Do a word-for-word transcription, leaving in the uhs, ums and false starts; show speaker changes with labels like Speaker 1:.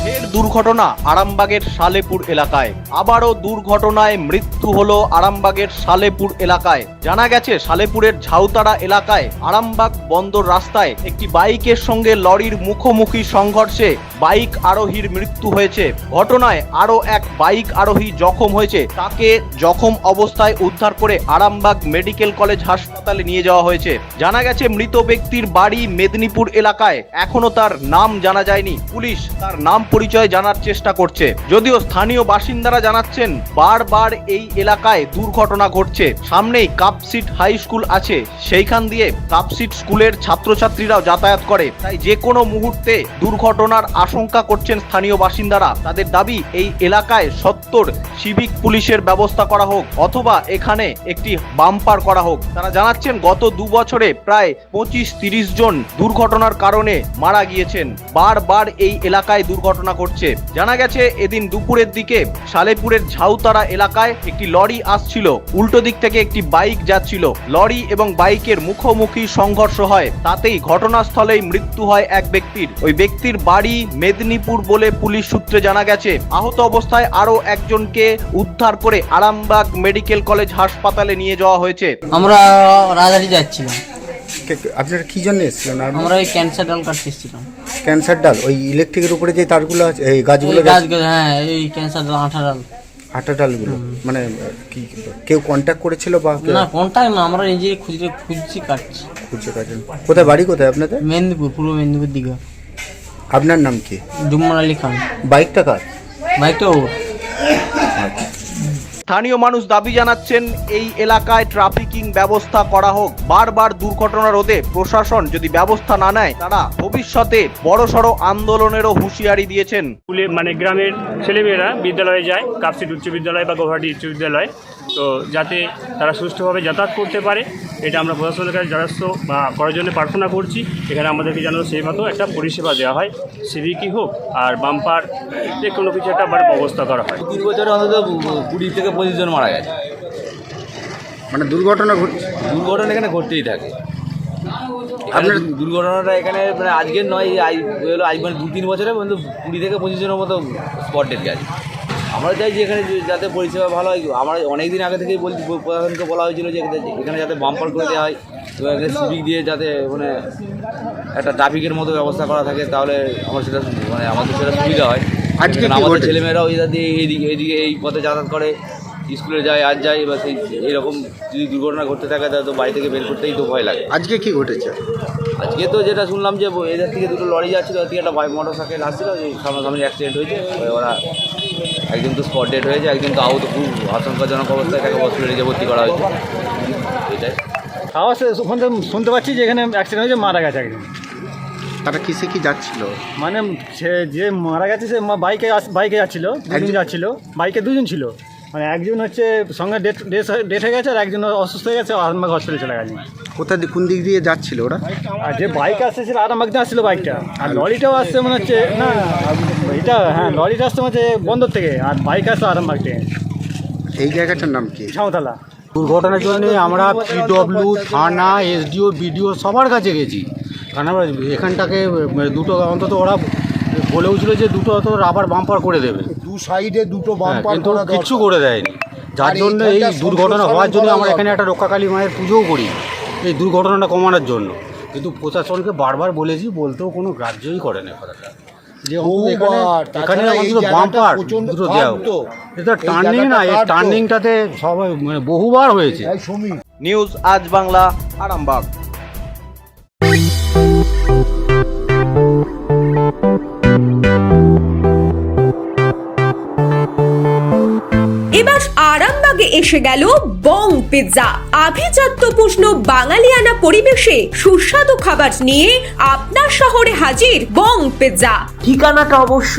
Speaker 1: ফের দুর্ঘটনা আরামবাগের সালেপুর এলাকায়। আবারও দুর্ঘটনায় মৃত্যু হলো আরামবাগের সালেপুর এলাকায়। জানা গেছে সালেপুরের ঝাউতারা এলাকায় আরামবাগ বন্দর রাস্তায় একটি বাইকের সঙ্গে লরির মুখোমুখি সংঘর্ষে বাইক আরোহীর মৃত্যু হয়েছে। ঘটনায় আরও এক বাইক আরোহী জখম হয়েছে। তাকে জখম অবস্থায় উদ্ধার করে আরামবাগ মেডিকেল কলেজ হাসপাতালে নিয়ে যাওয়া হয়েছে। জানা গেছে মৃত ব্যক্তির বাড়ি মেদিনীপুর এলাকায়। এখনো তার নাম জানা যায়নি। পুলিশ তার নাম পরিচয় জানার চেষ্টা করছে। যদিও স্থানীয় বাসিন্দারা জানাচ্ছেন বারবার এই এলাকায় দুর্ঘটনা ঘটছে। সামনেই কাপসিট হাই স্কুল আছে, সেইখান দিয়ে কাপসিট স্কুলের ছাত্রছাত্রীরাও যাতায়াত করে। তাই যে কোনো মুহূর্তে দুর্ঘটনার আশঙ্কা করছেন স্থানীয় বাসিন্দারা। তাদের দাবি এই এলাকায় সত্তর সিভিক পুলিশের ব্যবস্থা করা হোক অথবা এখানে একটি বাম্পার করা হোক। তারা জানাচ্ছেন গত দু বছরে প্রায় পঁচিশ তিরিশ জন দুর্ঘটনার কারণে মারা গিয়েছেন। বারবার এই এলাকায় দুর্ঘটনা ঘটছে। জানা গেছে এদিন দুপুরের দিকে সালেপুরের ঝাউতারা এলাকায় একটি লরি আসছিল, উল্টো দিক থেকে একটি বাইক যাচ্ছিল। লরি এবং বাইকের মুখোমুখি সংঘর্ষ হয়, তাতেই ঘটনাস্থলেই মৃত্যু হয় এক ব্যক্তির। ওই ব্যক্তির বাড়ি মেদিনীপুর বলে পুলিশ সূত্রে জানা গেছে। আহত অবস্থায় আরো একজনকে উদ্ধার করে আরামবাগ মেডিকেল কলেজ হাসপাতালে নিয়ে যাওয়া হয়েছে।
Speaker 2: আমরা রাজহাটি যাচ্ছিলাম।
Speaker 3: আপনারা কি জন্য এসেছিলেন?
Speaker 2: আমরা ওই ক্যান্সার ডাল কাটতে এসেছিলাম।
Speaker 3: ক্যান্সার ডাল ওই ইলেকট্রিকের উপরে যে তারগুলো আছে, এই গাছগুলো
Speaker 2: গাছগুলো, হ্যাঁ এই ক্যান্সার ডাল, আঠা ডাল,
Speaker 3: আটা ডালগুলো। মানে কি কেউ কন্ট্যাক্ট করেছিল বা
Speaker 2: না? কন্টাক্ট না, আমরা নিজে খুঁজে খুঁজছি কাটছি।
Speaker 3: খুঁজে কাটেন। কোথায় বাড়ি কোথায় আপনাদের?
Speaker 2: মেদিনীপুর, পূর্ব মেদিনীপুর দিকে।
Speaker 3: আপনার নাম কি?
Speaker 2: জুম্মান আলী খান।
Speaker 3: বাইকটা কার?
Speaker 2: বাইকটা ওর।
Speaker 1: স্থানীয় মানুষ দাবি জানাচ্ছেন এই এলাকায় ট্রাফিকিং ব্যবস্থা করা হোক। বারবার দুর্ঘটনা রোধে প্রশাসন যদি ব্যবস্থা না নেয় তারা ভবিষ্যতে বড়সড় আন্দোলনেরও হুঁশিয়ারি দিয়েছেন।
Speaker 4: স্কুলে মানে গ্রামের ছেলেমেয়েরা বিদ্যালয়ে যায়, কাপসিট উচ্চ বিদ্যালয় বা গৌহাটি উচ্চ বিদ্যালয়, তো যাতে তারা সুষ্ঠুভাবে যাতায়াত করতে পারে এটা আমরা প্রশাসনের কাছে দ্বারস্থ বা করার জন্য প্রার্থনা করছি। এখানে আমাদেরকে যেন সেই মতো একটা পরিষেবা দেওয়া হয়, সিভিকই হোক আর বাম্পার, যে কোনো কিছু একটা ব্যবস্থা করা হয়।
Speaker 5: তিন বছরে অন্তত কুড়ি থেকে পঁচিশ জন মারা গেছে।
Speaker 3: মানে দুর্ঘটনা ঘটছে,
Speaker 5: দুর্ঘটনা এখানে ঘটতেই থাকে। আপনার দুর্ঘটনাটা এখানে মানে আজকের নয়, আজ হলো আজ মানে দু তিন বছরে কিন্তু কুড়ি থেকে পঁচিশ জনের মতো স্পট ডেট গেছে। আমরা চাই যে এখানে যাতে পরিষেবা ভালো হয়। আমরা অনেক দিন আগে থেকেই বলছি, প্রশাসনকে বলা হয়েছিল যে এখানে যাতে বাম্পার করে দেওয়া হয় এবং এখানে সিভিক দিয়ে যাতে মানে একটা ট্রাফিকের মতো ব্যবস্থা করা থাকে, তাহলে আমার সেটা মানে আমাদের সেটা সুবিধা হয়।
Speaker 3: আজকে
Speaker 5: আমাদের ছেলেমেয়েরাও এটা দিয়ে এইদিকে এইদিকে এই পথে যাতায়াত করে, স্কুলে যায়, আজ যায়, বা সেই এইরকম যদি দুর্ঘটনা ঘটতে থাকে তাহলে তো বাড়ি থেকে বের করতেই তো ভয় লাগে।
Speaker 3: আজকে কি ঘটেছে?
Speaker 5: আজকে তো যেটা শুনলাম যে এদের থেকে দুটো লরি যাচ্ছিলো, ওর থেকে একটা বাইক মোটর সাইকেল আসছিলো, সামনাসামনি অ্যাক্সিডেন্ট হয়েছে। ওরা একজন তো স্পট ডেড হয়েছে, একজন তো আহত, খুব আশঙ্কাজনক অবস্থায় তাকে হসপিটালে নিয়ে ভর্তি করা হয়েছে। এটাই
Speaker 6: আওয়াজ ওখান থেকে শুনতে পাচ্ছি যে এখানে অ্যাক্সিডেন্ট হয়েছে, মারা গেছে একজন।
Speaker 3: তারা কিসে কি যাচ্ছিল?
Speaker 6: মানে সে যে মারা গেছে সে বাইকে বাইকে যাচ্ছিল, দুজন যাচ্ছিল, বাইকে দুজন ছিল। মানে একজন হচ্ছে সঙ্গে ডেট ডেট হয়ে গেছে আর একজন অসুস্থ হয়ে গেছে, আরামবাগ হসপিটালে চলে গেছে।
Speaker 3: কোথা কোন দিক দিয়ে যাচ্ছিল ওরা?
Speaker 6: আর যে বাইক আসছে সেটা আরামবাগ দিয়ে আসছিল বাইকটা, আর লরিটাও আসছে মনে হচ্ছে, না এটা হ্যাঁ লরিটা আসছে মনে হচ্ছে বন্দর থেকে, আর বাইক আসছে আরামবাগ থেকে।
Speaker 3: এই জায়গাটার নাম কি?
Speaker 6: ঝাউতলা।
Speaker 7: দুর্ঘটনার জন্য আমরা পিডব্লিউ, থানা, এসডিও, বিডিও সবার কাছে গেছি। কারণ আমরা এখানটাকে দুটো অন্তত ওরা বলেওছিল যে দুটো অত রাবার বাম্পার করে দেবে,
Speaker 8: দু সাইডে দুটো বাম্পার,
Speaker 7: কিন্তু কিচ্ছু করে দেয়নি। যার জন্য এই দুর্ঘটনা হওয়ার জন্য আমরা এখানে একটা রক্ষাকালী মায়ের পুজোও করি এই দুর্ঘটনাটা কমানোর জন্য। কিন্তু প্রশাসনকে বারবার বলেছি, বলতেও কোনো গ্রাহ্যই করে না কথাটা, যে এখানে এখানে অন্তত বাম্পার দুটো দেওয়া। এটা টার্নিং না, এই টার্নিংটাতে সবাই মানে বহুবার হয়েছে।
Speaker 1: নিউজ আজ বাংলা, আরামবাগ।
Speaker 9: এবার আরামবাগে এসে গেল বং পিৎজা। আভিজাত্যপূর্ণ বাঙালিয়ানা পরিবেশে সুস্বাদু খাবার নিয়ে আপনার শহরে হাজির বং পিৎজা। ঠিকানাটা অবশ্য